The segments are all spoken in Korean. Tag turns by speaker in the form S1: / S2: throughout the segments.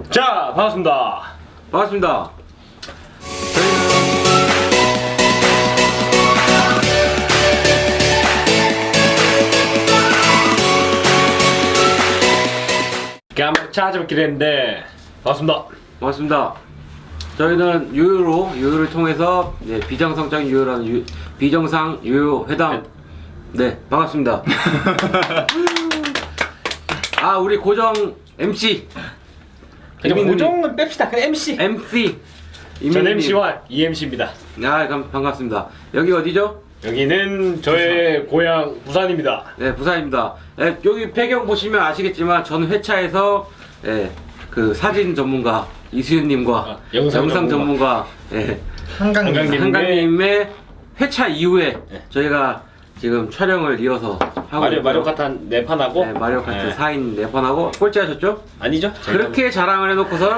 S1: 자, 반갑습니다.
S2: 반갑습니다.
S1: 이렇게 한번 찾아뵙기로 했는데 반갑습니다.
S2: 반갑습니다. 저희는 유효를 통해서 비정상적인 유효라는 비정상 유효 회담. 네, 반갑습니다. 아, 우리 고정 MC.
S1: 고정은 뺍시다. 그 MC.
S2: MC.
S1: 전 MC와 EMC입니다.
S2: 아, 반갑습니다. 여기 어디죠?
S1: 여기는 저의 고향 부산입니다.
S2: 네, 부산입니다. 네, 여기 배경 보시면 아시겠지만 전 회차에서 그 사진 전문가 이수윤님과 영상 전문가 한강님의 회차 이후에 저희가 지금 촬영을 이어서 하고
S1: 마리오 카트 한 4판 하고
S2: 마리오 카트 4인 4판 하고 꼴찌 하셨죠?
S1: 아니죠?
S2: 그렇게 자랑을 해놓고선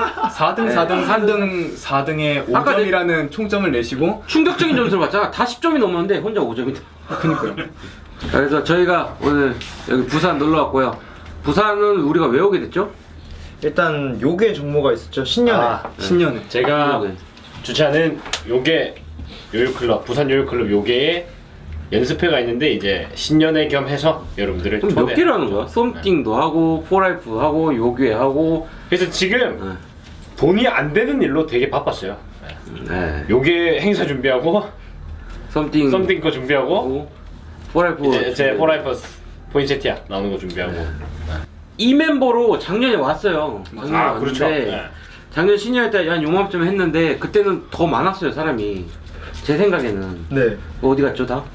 S3: 4등에 5점이라는 총점을 내시고
S2: 충격적인 점수를 받잖아. 다 10점이 넘었는데 혼자 5점이다.
S3: 그니까요.
S2: 그래서 저희가 오늘 여기 부산 놀러 왔고요. 부산은 우리가 왜 오게 됐죠?
S4: 일단 요괴 종모가 있었죠. 신년에.
S3: 신년에
S1: 제가 주최하는 요괴 요요클럽 부산 요요클럽 요괴에 연습회가 있는데 이제 신년회 겸해서 여러분들을
S2: 그럼 몇 개를 하는 거야? 썸띵도 하고 포라이프 하고 요괴 하고.
S1: 그래서 지금 돈이 안 되는 일로 되게 바빴어요.
S2: 네.
S1: 요괴 행사 준비하고 썸띵 거 준비하고
S2: 포라이프
S1: 이제 제 포라이프 포인세티아 나오는 거 준비하고
S2: 이 멤버로 작년에 왔어요. 작년에 왔는데
S1: 그렇죠. 네.
S2: 작년 신년회 때 한 요맘쯤 했는데 그때는 더 많았어요 사람이. 제 생각에는.
S4: 네.
S2: 어디 갔죠 다?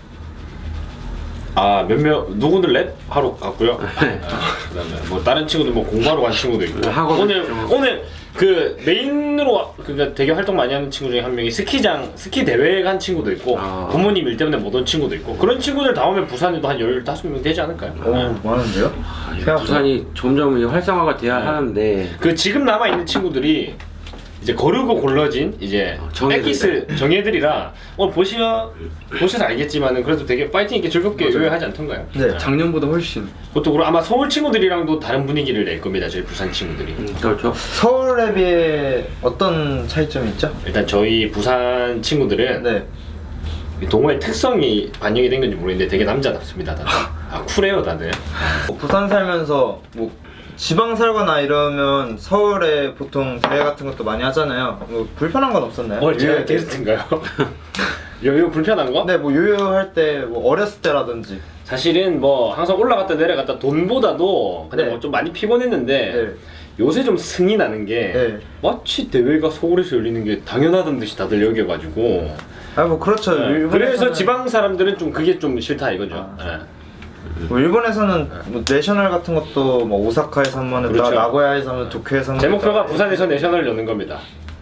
S1: 몇몇 누구들 랩 하러 갔고요. 그다음에 뭐 다른 친구들 뭐 공부하러 간 친구도 있고. 오늘 그 메인으로 그러니까 되게 활동 많이 하는 친구 중에 한 명이 스키 대회 간 친구도 있고 부모님 일 때문에 못 온 친구도 있고 그런 친구들 다 오면 부산에도 한 15명 되지 않을까요?
S4: 많은데요?
S2: 부산이 점점 활성화가 돼야 하는데
S1: 그 지금 남아 있는 친구들이 이제 거르고 골라진 이제 엑기스 정예들이라 오늘 보셔서 알겠지만은 그래도 되게 파이팅 있게 즐겁게 요요하지 않던가요?
S4: 네.
S3: 작년보다 훨씬.
S1: 그것도 그리고 아마 서울 친구들이랑도 다른 분위기를 낼 겁니다. 저희 부산 친구들이.
S2: 그렇죠.
S4: 서울에 비해 어떤 차이점이 있죠?
S1: 일단 저희 부산 친구들은
S4: 네.
S1: 동호회 특성이 반영이 된 건지 모르겠는데 되게 남자답습니다. 다들. 쿨해요 다들.
S4: 부산 살면서 뭐 지방 살거나 이러면 서울에 보통 대회 같은 것도 많이 하잖아요. 뭐 불편한 건 없었나요?
S1: 제가 게스트인가요? 요요 불편한 거?
S4: 네, 뭐 요요할 때 뭐 어렸을 때라든지.
S1: 사실은 뭐 항상 올라갔다 내려갔다 돈보다도 그냥
S4: 네.
S1: 뭐 좀 많이 피곤했는데
S4: 네.
S1: 요새 좀 승이 나는 게
S4: 네.
S1: 마치 대회가 서울에서 열리는 게 당연하던 듯이 다들 여겨가지고
S4: 뭐 그렇죠.
S1: 그래서 지방 사람들은 좀 그게 좀 싫다 이거죠.
S4: 뭐 일본에서는 뭐 내셔널 같은 것도 뭐 오사카에서 한번 했다,
S1: 그렇죠.
S4: 나고야에서 하면 도쿄에서 한번
S1: 제 목표가
S4: 했다.
S1: 부산에서 내셔널을 여는 겁니다.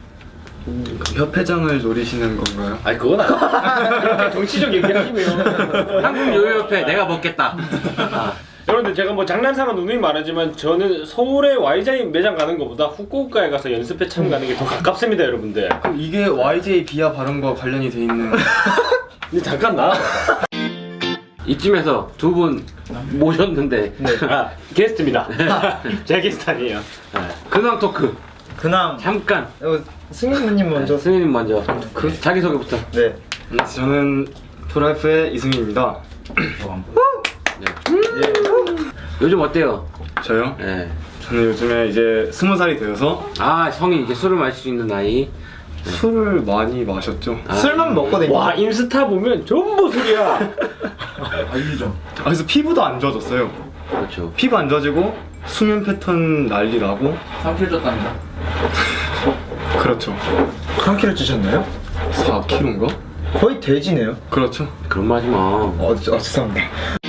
S3: 협회장을 노리시는 건가요?
S1: 아니 그건 아니에요. 그렇게 정치적 얘기하시면
S2: 한국 요요협회 내가 먹겠다.
S1: 여러분들 제가 뭐 장난삼아 누누이 말하지만 저는 서울에 YJ 매장 가는 것보다 후쿠오카에 가서 연습회 참가하는 게 더 가깝습니다 여러분들.
S3: 그럼 이게 YJ 비하 발언과 관련이 돼 있는.
S1: 근데 잠깐 나.
S2: 이쯤에서 두 분 모셨는데
S1: 게스트입니다. 제가 게스트 아니에요.
S2: 근황 토크
S4: 그냥
S2: 잠깐.
S4: 승민님 먼저.
S2: 승민님 먼저 자기소개부터.
S4: 네.
S3: 저는 프라이프의 이승민입니다.
S2: 요즘 어때요?
S3: 저요?
S2: 네.
S3: 저는 요즘에 이제 20살이 되어서
S2: 성인 이제 술을 마실 수 있는 나이.
S3: 술을 많이 마셨죠.
S4: 술만 먹거든요.
S1: 와 인스타 보면 전부 술이야.
S3: 그래서 피부도 안 좋아졌어요.
S2: 그렇죠.
S3: 피부 안 좋아지고 수면 패턴 난리 나고.
S5: 3kg 쪘답니다.
S3: 그렇죠.
S4: 3kg 찌셨나요?
S3: 4kg인가?
S4: 거의 돼지네요.
S3: 그렇죠.
S2: 그런 말 하지 마.
S4: 죄송합니다.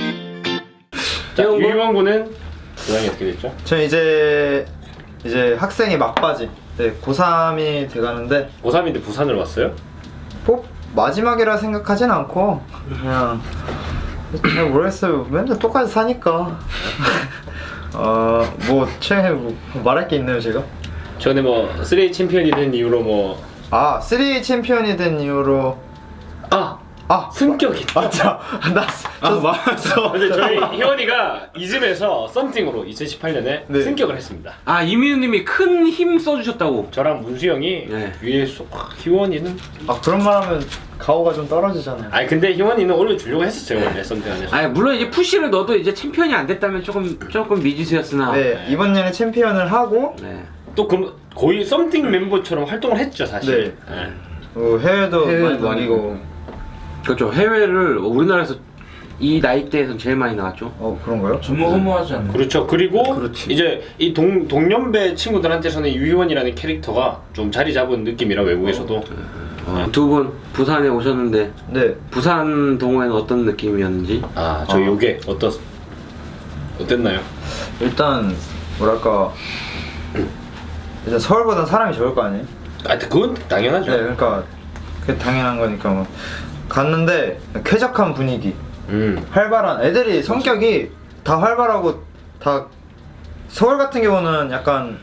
S1: 자 유희원 군은 고향이 어떻게 됐죠?
S4: 저는 이제 학생의 막바지. 네, 고3이 돼가는데
S1: 고3인데 부산을 왔어요?
S4: 꼭 마지막이라 생각하진 않고 그냥 잘 모르겠어요. 맨날 똑같이 사니까. 뭐 최근에 뭐 말할 게 있나요 제가?
S1: 전에 뭐 3A 챔피언이 된 이후로 뭐
S4: 3 챔피언이 된 이후로 아
S1: 승격이.
S4: 맞아. 맞어.
S1: 근데 저희 희원이가 이즘에서 썸띵으로 2018년에
S4: 네.
S1: 승격을 했습니다.
S2: 아 이민우님이 큰 힘 써주셨다고.
S1: 저랑 문수 형이
S2: 네.
S1: 위에서 희원이는
S4: 아 그런 말하면 가오가 좀 떨어지잖아요.
S1: 아니 근데 희원이는 올려주려고 했었어요 원래 썸띵 안에서.
S2: 아 물론 이제 푸시를 넣어도 이제 챔피언이 안 됐다면 조금 미지수였으나.
S4: 네 이번 년에 챔피언을 하고
S2: 네.
S1: 또 그럼 거의 썸띵 멤버처럼 활동을 했죠 사실. 네.
S4: 해외도
S3: 해외도
S4: 많이
S3: 많이
S4: 다니고.
S2: 그렇죠. 해외를 우리나라에서 이 나이대에서는 제일 많이 나갔죠.
S4: 그런가요?
S5: 전무 허무하지 않나요?
S1: 그렇죠. 그리고
S3: 그렇지.
S1: 이제 이 동년배 친구들한테서는 유희원이라는 캐릭터가 좀 자리 잡은 느낌이라 외국에서도.
S2: 두 분 부산에 오셨는데
S4: 네.
S2: 부산 동호회는 어떤 느낌이었는지.
S1: 저 요게 어땠나요?
S4: 일단 뭐랄까 일단 서울보다 사람이 적을 거 아니에요?
S1: 그건 당연하죠.
S4: 네, 그러니까 그게 당연한 거니까 뭐 갔는데 쾌적한 분위기, 활발한 애들이 성격이 다 활발하고 다 서울 같은 경우는 약간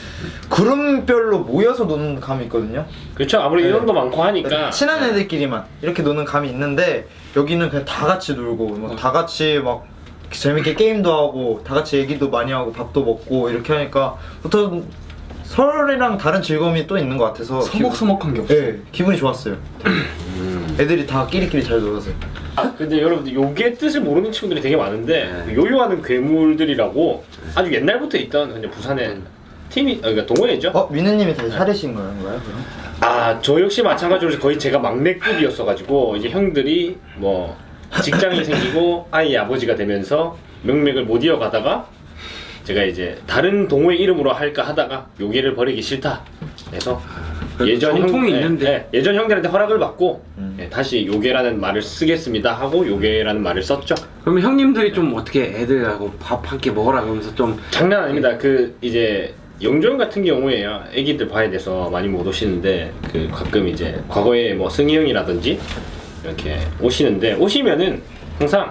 S4: 그룹별로 모여서 노는 감이 있거든요.
S1: 그렇죠. 아무리
S4: 네.
S1: 인원도 많고 하니까
S4: 친한 애들끼리만 이렇게 노는 감이 있는데 여기는 그냥 다 같이 놀고 막 다 같이 막 재밌게 게임도 하고 다 같이 얘기도 많이 하고 밥도 먹고 이렇게 하니까 보통 서울이랑 다른 즐거움이 또 있는 것 같아서
S3: 서먹서먹한 게 없어.
S4: 네, 기분이 좋았어요. 애들이 다 끼리끼리 잘 놀아서.
S1: 근데 여러분들 요게 뜻을 모르는 친구들이 되게 많은데 그 요요하는 괴물들이라고 아주 옛날부터 있던 근데 부산에 팀이 그러니까 동호회죠.
S4: 민우님이 다시 차리신 거예요, 그럼?
S1: 저 역시 마찬가지로 거의 제가 막내급이었어가지고 이제 형들이 뭐 직장이 생기고 아이 아버지가 되면서 명맥을 못 이어가다가 제가 이제 다른 동호회 이름으로 할까 하다가 요게를 버리기 싫다 해서
S2: 전통이 있는데.
S1: 예전 형들한테 허락을 받고
S4: 음.
S1: 다시 요게라는 말을 쓰겠습니다 하고 요게라는 말을 썼죠.
S2: 그러면 형님들이 좀 어떻게 애들하고 밥 한 끼 먹으라 그러면서 좀
S1: 장난 아닙니다. 그 이제 영종 같은 경우에요. 애기들 봐야 돼서 많이 못 오시는데 그 가끔 이제 과거에 뭐 승희 형이라든지 이렇게 오시는데 오시면은 항상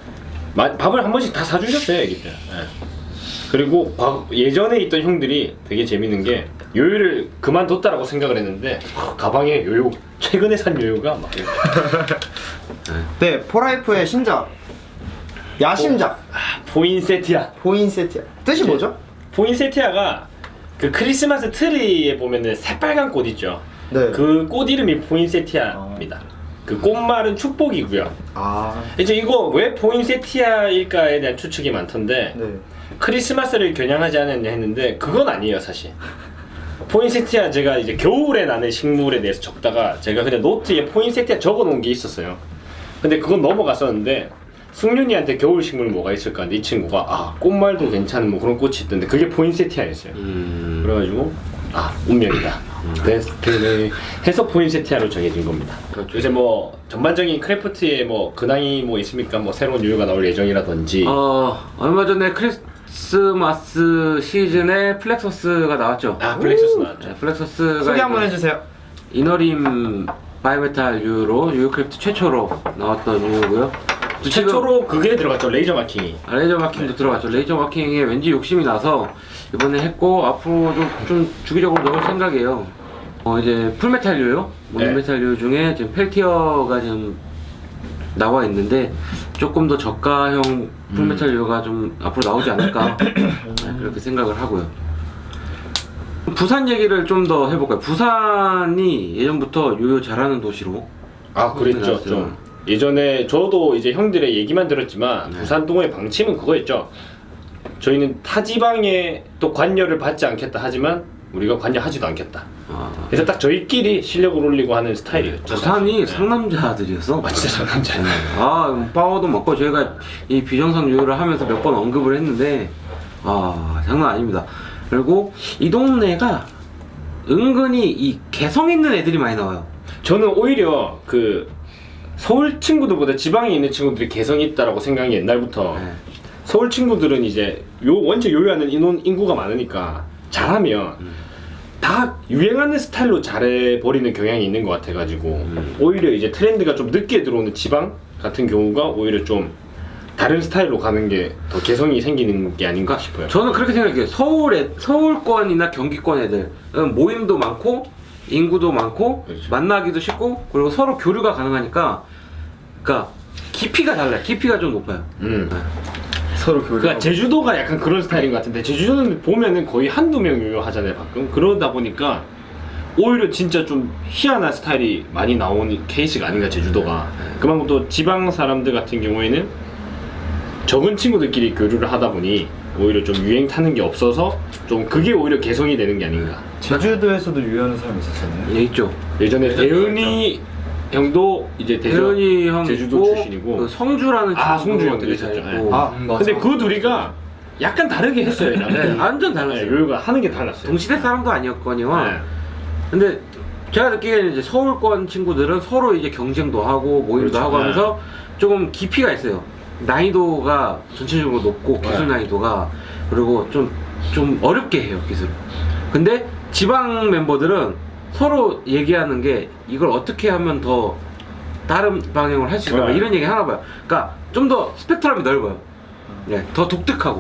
S1: 밥을 한 번씩 다 사주셨어요 애기들. 그리고 예전에 있던 형들이 되게 재밌는 게 요요를 그만뒀다라고 생각을 했는데 가방에 요요 최근에 산 요요가 막 이렇게.
S4: 네, 포라이프의 신작 야심작
S1: 포인세티아.
S4: 포인세티아 뜻이 뭐죠?
S1: 포인세티아가 그 크리스마스 트리에 보면은 새빨간 꽃 있죠.
S4: 네.
S1: 그 꽃 이름이 포인세티아입니다. 그 꽃말은 축복이고요. 이제 이거 왜 포인세티아일까에 대한 추측이 많던데
S4: 네.
S1: 크리스마스를 겨냥하지 않았냐 했는데 그건 아니에요 사실. 포인세티아 제가 이제 겨울에 나는 식물에 대해서 적다가 제가 그냥 노트에 포인세티아 적어놓은 게 있었어요. 근데 그건 넘어갔었는데 승윤이한테 겨울 식물 뭐가 있을까 근데 이 친구가 꽃말도 괜찮은 뭐 그런 꽃이 있던데 그게 포인세티아였어요. 그래가지고 운명이다. 네, 해서 포인세티아로 정해진 겁니다. 요새 뭐 전반적인 크래프트에 뭐 근황이 뭐 있습니까? 뭐 새로운 요요가 나올 예정이라든지.
S2: 얼마 전에 크리스마스 시즌에 플렉서스가 나왔죠.
S1: 플렉서스 나왔죠.
S2: 네, 플렉서스가
S4: 소개 한번 해주세요.
S2: 이너림 바이메탈 유로 유크래프트 최초로 나왔던 유고요.
S1: 최초로 그게 들어갔죠. 레이저 마킹이.
S2: 레이저 마킹도 들어갔죠. 레이저 마킹에 왠지 욕심이 나서 이번에 했고 앞으로 좀 주기적으로 넣을 생각이에요. 이제 풀메탈 유요, 모노메탈 유 중에 지금 펠티어가 지금 나와 있는데 조금 더 저가형 풀메탈 유가 좀 앞으로 나오지 않을까 그렇게 생각을 하고요. 부산 얘기를 좀 더 해볼까요? 부산이 예전부터 요요 잘하는 도시로
S1: 그랬죠.
S2: 나왔어요.
S1: 좀 예전에 저도 이제 형들의 얘기만 들었지만 부산 동호회 방침은 그거였죠. 저희는 타 지방에 또 관여를 받지 않겠다 하지만 우리가 관여하지도 않겠다. 그래서 딱 저희끼리 실력을 올리고 하는 스타일이었죠.
S2: 부산이
S1: 사실.
S2: 상남자들이었어.
S1: 진짜 상남자.
S2: 파워도 먹고 저희가 이 비정상 요요를 하면서 몇 번 언급을 했는데 장난 아닙니다. 그리고 이 동네가 은근히 이 개성 있는 애들이 많이 나와요.
S1: 저는 오히려 그 서울 친구들보다 지방에 있는 친구들이 개성이 있다라고 생각이 옛날부터. 서울 친구들은 이제 원체 요요하는 인구가 많으니까 잘하면 다 유행하는 스타일로 잘해버리는 경향이 있는 것 같아가지고 오히려 이제 트렌드가 좀 늦게 들어오는 지방 같은 경우가 오히려 좀 다른 스타일로 가는 게 더 개성이 생기는 게 아닌가 싶어요.
S2: 저는 그렇게 생각해요. 서울권이나 경기권 애들 모임도 많고 인구도 많고
S1: 그렇죠.
S2: 만나기도 쉽고 그리고 서로 교류가 가능하니까 그러니까 깊이가 달라요. 깊이가 좀 높아요.
S3: 서로 교류.
S1: 그러니까 제주도가 약간 그런 스타일인 것 같은데 제주도는 보면은 거의 한두 명 유효하잖아요 가끔. 그러다 보니까 오히려 진짜 좀 희한한 스타일이 많이 나오는 케이스가 아닌가 제주도가. 그만큼 또 지방 사람들 같은 경우에는 적은 친구들끼리 교류를 하다 보니 오히려 좀 유행 타는 게 없어서 좀 그게 오히려 개성이 되는 게 아닌가.
S4: 제주도에서도 유효하는 사람이 있었잖아요.
S2: 예, 있죠.
S1: 예전에 대은이 형도 이제
S2: 대현이 형
S1: 제주도
S2: 있고,
S1: 출신이고
S2: 그 성주라는
S1: 아,
S2: 친구도
S1: 성주 형도
S2: 되게
S1: 있었죠.
S2: 잘했고.
S3: 맞아.
S1: 근데 그 둘이가 약간 다르게 했어요.
S2: 네, 완전 달랐어요.
S1: 요요가 하는 게 달랐어요.
S2: 동시대 사람도 아니었거니와.
S1: 네.
S2: 근데 제가 느끼기에는 이제 서울권 친구들은 서로 이제 경쟁도 하고 모임도
S1: 그렇죠.
S2: 하고 하면서 조금 깊이가 있어요. 난이도가 전체적으로 높고 기술
S1: 네.
S2: 난이도가 그리고 좀 어렵게 해요 기술. 근데 지방 멤버들은 서로 얘기하는 게 이걸 어떻게 하면 더 다른 방향으로 할 수 있을까
S1: 네.
S2: 이런 얘기 하나 봐요. 그러니까 좀 더 스펙트럼이 넓어요. 네, 더 독특하고.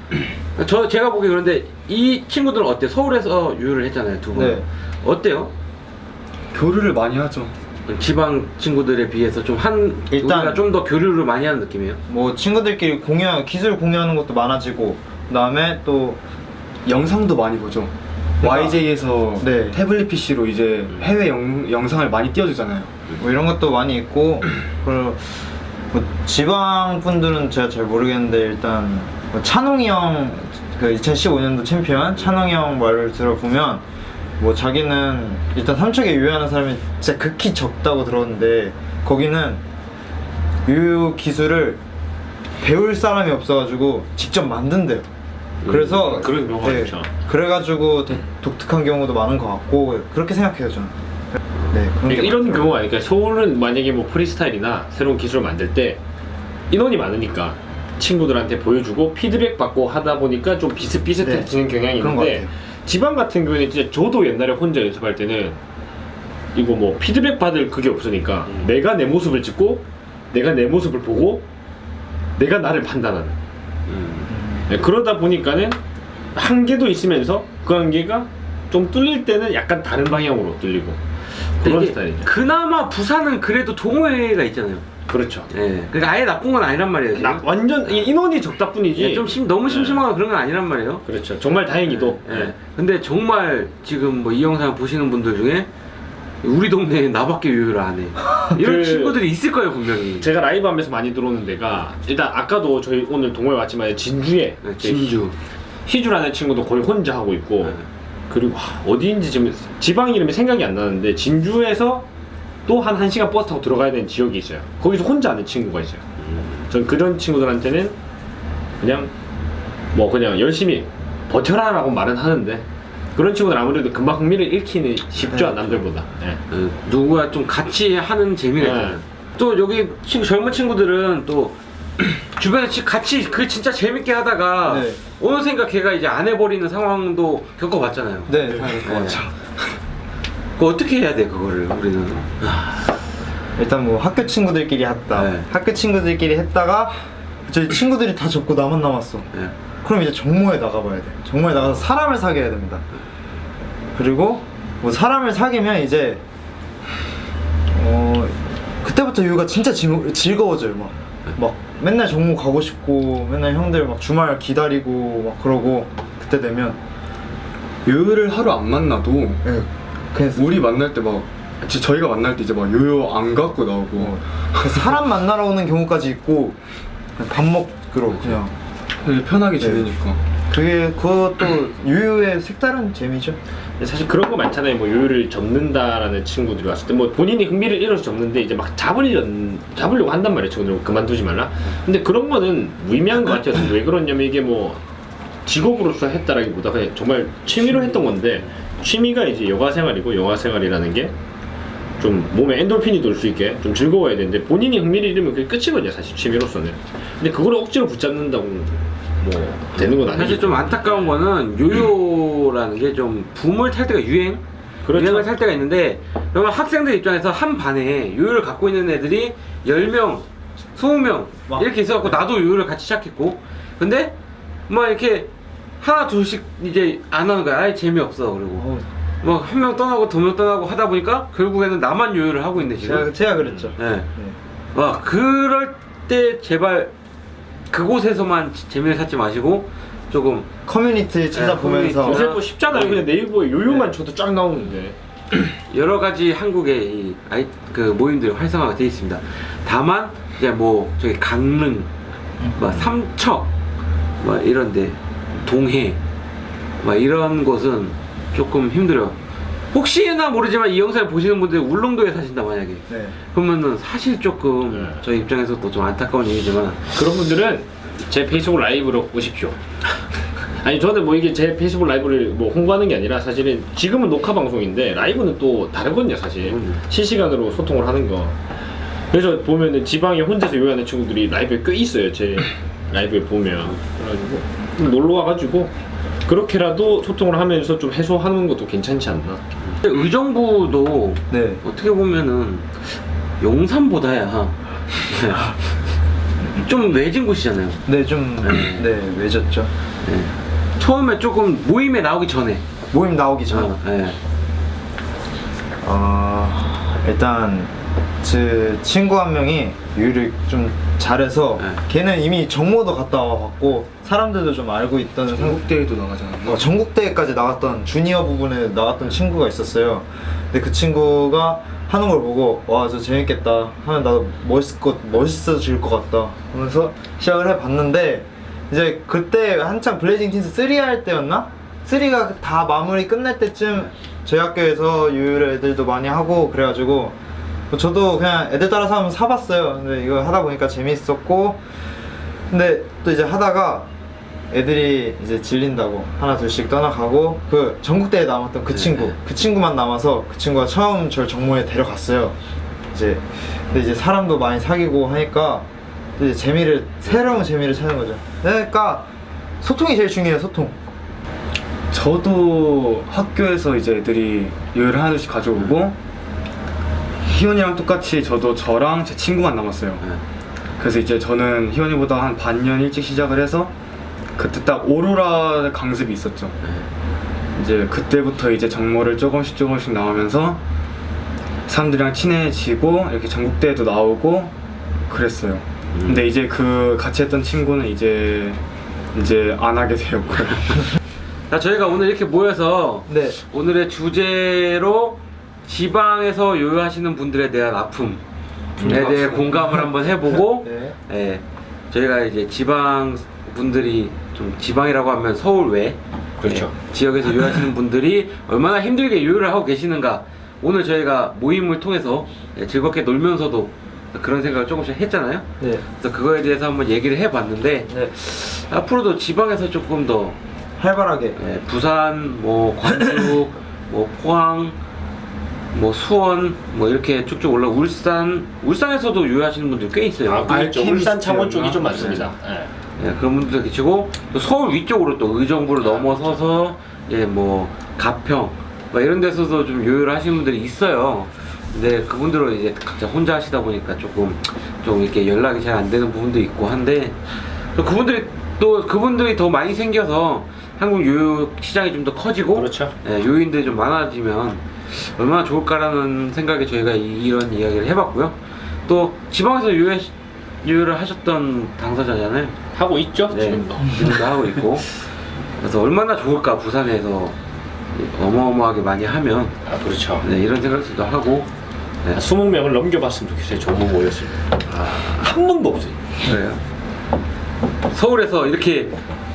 S2: 제가 보기 그런데 이 친구들은 어때요? 서울에서 유효를 했잖아요 두 분.
S4: 네.
S2: 어때요?
S3: 교류를 많이 하죠.
S2: 지방 친구들에 비해서
S4: 일단-
S2: 우리가 좀 더 교류를 많이 하는 느낌이에요?
S4: 뭐 친구들끼리 기술 공유하는 것도 많아지고 그다음에 또
S3: 영상도 많이 보죠. YJ에서
S4: 네.
S3: 태블릿 PC로 이제 해외 영상을 많이 띄워주잖아요.
S4: 뭐 이런 것도 많이 있고 그리고 뭐 지방 분들은 제가 잘 모르겠는데 일단 뭐 찬홍이 형 그 2015년도 챔피언 찬홍이 형 말을 들어보면 뭐 자기는 일단 삼척에 유효하는 사람이 진짜 극히 적다고 들었는데 거기는 유효 기술을 배울 사람이 없어가지고 직접 만든대요. 그래서
S1: 그런 경우가 있죠.
S4: 그래가지고 되게 독특한 경우도 많은 것 같고 그렇게 생각해요 저는. 네 그런 게
S1: 그러니까 이런
S4: 많더라고요.
S1: 경우가 그러니까 서울은 만약에 뭐 프리스타일이나 새로운 기술을 만들 때 인원이 많으니까 친구들한테 보여주고 피드백 받고 하다 보니까 좀 비슷비슷해지는 경향이
S4: 그런 것
S1: 있는데
S4: 같아요.
S1: 지방 같은 경우에는 진짜 저도 옛날에 혼자 연습할 때는 이거 뭐 피드백 받을 그게 없으니까 내가 내 모습을 찍고 내가 내 모습을 보고 내가 나를 판단하는 네, 그러다 보니까는 한계도 있으면서 그 한계가 좀 뚫릴 때는 약간 다른 방향으로 뚫리고 그런
S2: 이게
S1: 스타일이죠.
S2: 그나마 부산은 그래도 동호회가 있잖아요.
S1: 그렇죠.
S2: 예. 그러니까 아예 나쁜 건 아니란 말이에요. 지금.
S1: 완전 인원이 적다 뿐이지.
S2: 예, 너무 심심하거나 그런 건 아니란 말이에요.
S1: 그렇죠. 정말 다행히도.
S2: 예.
S1: 네.
S2: 근데 정말 지금 뭐 이 영상 보시는 분들 중에 우리 동네에 나밖에 유효를 안 해. 이런
S1: 그-
S2: 친구들이 있을 거예요 분명히.
S1: 제가 라이브 하면서 많이 들어오는 데가 일단 아까도 저희 오늘 동호회 왔지만 진주에
S2: 네, 진주.
S1: 희주라는 친구도 거의 혼자 하고 있고
S2: 네.
S1: 그리고 어디인지 지금 지방 이름이 생각이 안 나는데 진주에서 또 한 1시간 버스 타고 들어가야 되는 지역이 있어요. 거기서 혼자 하는 친구가 있어요. 전 그런 친구들한테는 그냥 뭐 그냥 열심히 버텨라라고 말은 하는데 그런 친구들 아무래도 금방 흥미를 잃기는 쉽죠. 남들보다. 네.
S2: 누구와 좀 같이 하는 재미가
S1: 네.
S2: 있잖아요. 또 여기 젊은 친구들은 또 주변에 같이 그 진짜 재밌게 하다가
S4: 네.
S2: 어느샌가 걔가 이제 안 해버리는 상황도 겪어봤잖아요.
S4: 네, 다 그럴 것
S2: 네.
S4: 같아요.
S2: 그 어떻게 해야 돼 그거를 우리는?
S4: 일단 뭐 학교 친구들끼리 했다.
S2: 네.
S4: 학교 친구들끼리 했다가 저희 친구들이 다 접고 나만 남았어.
S2: 네.
S4: 그럼 이제 정모에 나가봐야 돼. 정모에 나가서 사람을 사귀어야 됩니다. 그리고 뭐 사람을 사귀면 이제 그때부터 유가 진짜 즐거워져요. 막 맨날 정모 가고 싶고 맨날 형들 막 주말 기다리고 막 그러고 그때 되면
S3: 요요를 하루 안 만나도
S4: 예, 그냥
S3: 우리 만날 때 막 저희가 만날 때 이제 막 요요 안 갖고 나오고
S4: 사람 만나러 오는 경우까지 있고 그냥 밥 먹으러 그냥
S3: 되게 편하게 지내니까.
S4: 그것도 유유의 색다른 재미죠.
S1: 사실 그런 거 많잖아요. 뭐 요요를 접는다라는 친구들이 왔을 때 뭐 본인이 흥미를 잃어서 접는데 이제 막 잡으려고 한단 말이에요. 친구들 그만두지 말라. 근데 그런 거는 무의미한 것 같아요. 왜 그러냐면 이게 뭐 직업으로서 했다라기보다 그냥 정말 취미로 했던 건데 취미가 이제 여가 생활이고 여가 생활이라는 게 좀 몸에 엔돌핀이 돌 수 있게 좀 즐거워야 되는데 본인이 흥미를 잃으면 그게 끝이거든요. 사실 취미로서는. 근데 그거를 억지로 붙잡는다고 뭐 되는 건 아니죠.
S2: 사실 좀 안타까운 거는 요요라는 게 좀 붐을 탈 때가 유행을 탈 때가 있는데 그러면 학생들 입장에서 한 반에 요요를 갖고 있는 애들이 10명, 20명 이렇게 있어갖고 나도 요요를 같이 시작했고 근데 막 이렇게 하나 둘씩 이제 안 하는 거야. 아예 재미없어 그리고 막 한 명 떠나고 두 명 떠나고 하다 보니까 결국에는 나만 요요를 하고 있네 지금.
S4: 제가 그랬죠.
S2: 네. 와 그럴 때 제발 그곳에서만 재미를 찾지 마시고 조금
S4: 커뮤니티 찾아보면서
S1: 요새 뭐 쉽잖아요. 그냥 네이버에 요요만 쳐도 쫙 나오는데.
S2: 여러 가지 한국의 그 모임들이 활성화가 되어 있습니다. 다만 이제 뭐 저기 강릉, 막 삼척, 막 이런데 동해, 막 이런 곳은 조금 힘들어요. 혹시나 모르지만 이 영상을 보시는 분들이 울릉도에 사신다 만약에
S4: 네.
S2: 그러면은 사실 조금 저희 입장에서도 좀 안타까운 얘기지만
S1: 그런 분들은 제 페이스북 라이브로 오십시오. 아니 저는 뭐 이게 제 페이스북 라이브를 뭐 홍보하는 게 아니라 사실은 지금은 녹화 방송인데 라이브는 또 다르거든요 사실. 실시간으로 소통을 하는 거. 그래서 보면은 지방에 혼자서 요리하는 친구들이 라이브에 꽤 있어요. 제 라이브에 보면. 그래가지고 놀러 와가지고 그렇게라도 소통을 하면서 좀 해소하는 것도 괜찮지 않나.
S2: 의정부도
S4: 네.
S2: 어떻게 보면은 용산보다야 좀 외진 곳이잖아요.
S4: 네, 좀 네, 외졌죠.
S2: 네. 처음에 조금 모임에 나오기 전에
S4: 모임 나오기 전.
S2: 네.
S4: 일단 제 친구 한 명이 요리를 좀 잘해서
S2: 네.
S4: 걔는 이미 정모도 갔다 와봤고 사람들도 좀 알고 있던
S3: 전국대회도 나가잖아요.
S4: 전국대회까지 나갔던 주니어 부분에 나갔던 친구가 있었어요. 근데 그 친구가 하는 걸 보고 와 저 재밌겠다 하면 나도 멋있어질 것 같다 하면서 시작을 해봤는데 이제 그때 한창 블레이징 틴스 3 할 때였나? 3가 다 마무리 끝날 때쯤 저희 학교에서 요요를 애들도 많이 하고 그래가지고 저도 그냥 애들 따라서 한번 사봤어요. 근데 이거 하다 보니까 재밌었고 근데 또 이제 하다가 애들이 이제 질린다고 하나 둘씩 떠나가고 그 전국대회 남았던 그 친구 그 친구만 남아서 그 친구가 처음 절 정모에 데려갔어요. 이제 근데 이제 사람도 많이 사귀고 하니까 또 이제 새로운 재미를 찾는 거죠. 그러니까 소통이 제일 중요해요. 소통.
S3: 저도 학교에서 이제 애들이 요요를 하나씩 가져오고 희원이랑 똑같이 저랑 제 친구만 남았어요. 그래서 이제 저는 희원이보다 한 반년 일찍 시작을 해서 그때 딱 오로라 강습이 있었죠. 이제 그때부터 이제 정모를 조금씩 나오면서 사람들이랑 친해지고 이렇게 전국대회도 나오고 그랬어요. 근데 이제 그 같이 했던 친구는 이제 안 하게 되었고요.
S2: 자, 저희가 오늘 이렇게 모여서
S4: 네.
S2: 오늘의 주제로 지방에서 요요하시는 분들에 대한 아픔에 대해 공감을 한번 해보고
S4: 네.
S2: 예, 저희가 이제 지방 분들이 좀 지방이라고 하면 서울 외
S1: 그렇죠.
S2: 지역에서 요요하시는 분들이 얼마나 힘들게 요요를 하고 계시는가 오늘 저희가 모임을 통해서 즐겁게 놀면서도 그런 생각을 조금씩 했잖아요.
S4: 네.
S2: 그래서 그거에 대해서 한번 얘기를 해봤는데
S4: 네.
S2: 앞으로도 지방에서 조금 더
S4: 활발하게.
S2: 부산, 뭐 광주, 뭐 포항, 뭐 수원, 뭐 이렇게 쭉쭉 올라 울산에서도 요요하시는 분들 꽤 있어요.
S1: 아, 그렇죠. 울산 창원 쪽이 좀 많습니다.
S2: 네, 그런 분들 계시고 또 서울 위쪽으로 또 의정부를 넘어서서 뭐 가평 막 이런 데서도 좀 요요를 하시는 분들이 있어요. 근데 그분들은 이제 각자 혼자 하시다 보니까 좀 이렇게 연락이 잘 안 되는 부분도 있고 한데 또 그분들이 더 많이 생겨서 한국 요요 시장이 좀 더 커지고
S1: 그렇죠.
S2: 요인들이 좀 많아지면 얼마나 좋을까라는 생각에 저희가 이런 이야기를 해봤고요. 또 지방에서 요요를 하셨던 당사자잖아요.
S1: 하고 있죠.
S2: 네, 지금도 하고 있고 그래서 얼마나 좋을까 부산에서 어마어마하게 많이 하면
S1: 그렇죠.
S2: 네, 이런 생각도 하고
S1: 20명을 넘겨봤으면 좋겠어요. 정모 모였을 때. 한 번도 없어요.
S2: 그래요. 서울에서 이렇게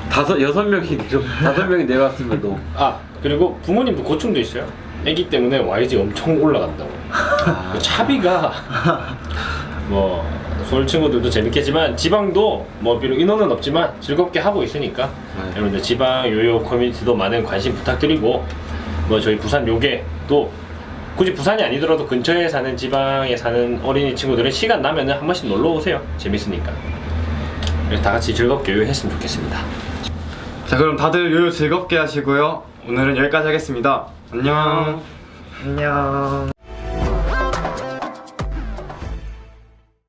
S2: 5명이 내려왔음에도
S1: 그리고 부모님도 고충도 있어요. 애기 때문에 YG 엄청 올라간다고. 차비가 뭐 서울 친구들도 재밌겠지만 지방도 뭐 비록 인원은 없지만 즐겁게 하고 있으니까 여러분들 지방 요요 커뮤니티도 많은 관심 부탁드리고 뭐 저희 부산 요게 또 굳이 부산이 아니더라도 근처에 사는 지방에 사는 어린이 친구들은 시간 나면은 한 번씩 놀러 오세요. 재밌으니까. 그래서 다 같이 즐겁게 요요했으면 좋겠습니다.
S3: 자, 그럼 다들 요요 즐겁게 하시고요. 오늘은 여기까지 하겠습니다. 안녕.
S4: 안녕.